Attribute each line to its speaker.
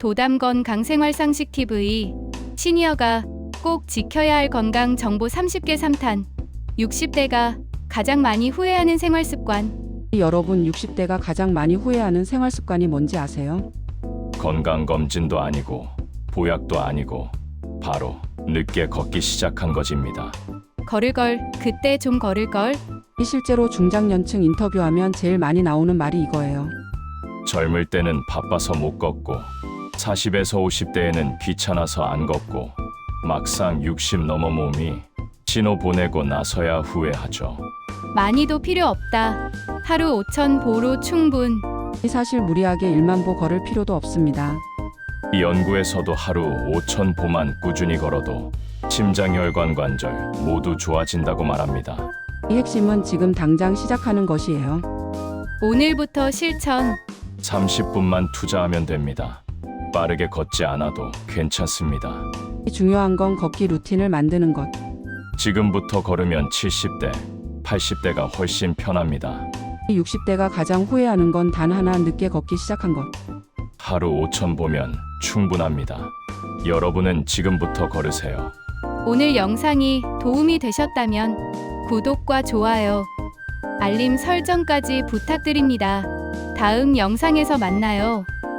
Speaker 1: 도담 건강생활상식 TV 시니어가 꼭 지켜야 할 건강 정보 30개 3탄 60대가 가장 많이 후회하는 생활습관.
Speaker 2: 여러분 60대가 가장 많이 후회하는 생활 습관이 뭔지 아세요?
Speaker 3: 건강검진도 아니고 보약도 아니고 바로 늦게 걷기 시작한 것입니다.
Speaker 1: 걸을걸 그때 좀 걸을걸.
Speaker 2: 실제로 중장년층 인터뷰하면 제일 많이 나오는 말이 이거예요.
Speaker 3: 젊을 때는 바빠서 못 걷고 40에서 50대에는 귀찮아서 안 걷고 막상 60 넘어 몸이 신호 보내고 나서야 후회하죠.
Speaker 1: 많이도 필요 없다. 하루 5,000 보로 충분.
Speaker 2: 사실 무리하게 1만 보 걸을 필요도 없습니다.
Speaker 3: 이 연구에서도 하루 5,000 보만 꾸준히 걸어도 심장혈관 관절 모두 좋아진다고 말합니다.
Speaker 2: 이 핵심은 지금 당장 시작하는 것이에요.
Speaker 1: 오늘부터 실천.
Speaker 3: 30분만 투자하면 됩니다. 빠르게 걷지 않아도 괜찮습니다.
Speaker 2: 중요한 건 걷기 루틴을 만드는 것.
Speaker 3: 지금부터 걸으면 70대, 80대가 훨씬 편합니다.
Speaker 2: 60대가 가장 후회하는 건 단 하나, 늦게 걷기 시작한 것.
Speaker 3: 하루 5,000 보면 충분합니다. 여러분은 지금부터 걸으세요.
Speaker 1: 오늘 영상이 도움이 되셨다면 구독과 좋아요, 알림 설정까지 부탁드립니다. 다음 영상에서 만나요.